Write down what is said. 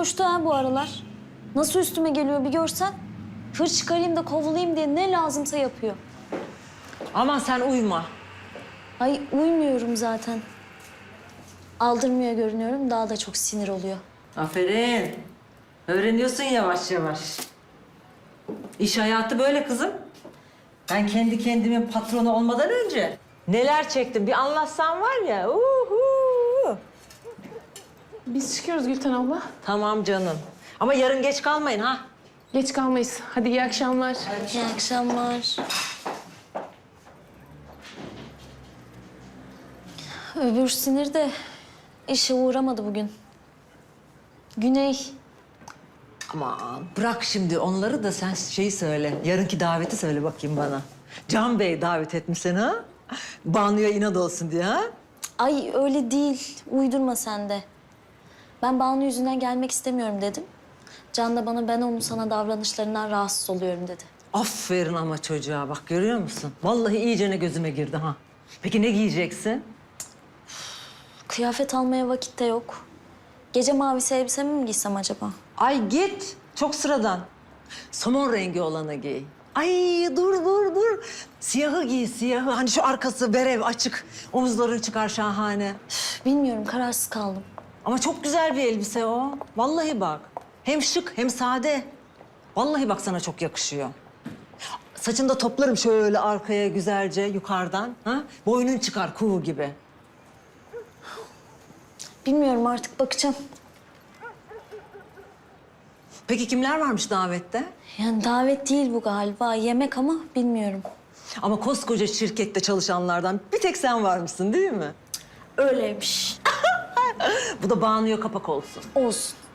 coştu ha bu aralar. Nasıl üstüme geliyor bir görsen. Hır çıkarayım da kovulayım diye ne lazımsa yapıyor. Aman sen uyuma. Ay uymuyorum zaten. Aldırmıyor görünüyorum, daha da çok sinir oluyor. Aferin. Öğreniyorsun yavaş yavaş. İş hayatı böyle kızım. Ben kendi kendimin patronu olmadan önce neler çektim bir anlatsan var ya. Uhu. Biz çıkıyoruz Gülten abla. Tamam canım. Ama yarın geç kalmayın ha. Geç kalmayız. Hadi iyi akşamlar. İyi akşamlar. Öbür sinir de işe uğramadı bugün. Güney. Aman bırak şimdi onları da sen şeyi söyle. Yarınki daveti söyle bakayım bana. Can Bey davet etmiş seni ha? Banu'ya inat olsun diye ha? Ay öyle değil. Uydurma sen de. Ben Banu yüzünden gelmek istemiyorum dedim. Can da bana ben onun sana davranışlarından rahatsız oluyorum dedi. Aferin ama çocuğa bak görüyor musun? Vallahi iyicene gözüme girdi ha. Peki ne giyeceksin? Kıyafet almaya vakit de yok. Gece mavisi elbisemi mi giysem acaba? Ay git. Çok sıradan. Somon rengi olanı giy. Ay dur. Siyahı giy siyahı. Hani şu arkası berev açık. Omuzların çıkar şahane. Üf, bilmiyorum, kararsız kaldım. Ama çok güzel bir elbise o. Vallahi bak. Hem şık hem sade. Vallahi bak sana çok yakışıyor. Saçını da toplarım şöyle arkaya güzelce yukarıdan. Ha? Boynun çıkar kuğu gibi. Bilmiyorum, artık bakacağım. Peki kimler varmış davette? Yani davet değil bu galiba. Yemek ama bilmiyorum. Ama koskoca şirkette çalışanlardan bir tek sen varmışsın değil mi? Öyleymiş. Bu da Banu'ya kapak olsun. Olsun.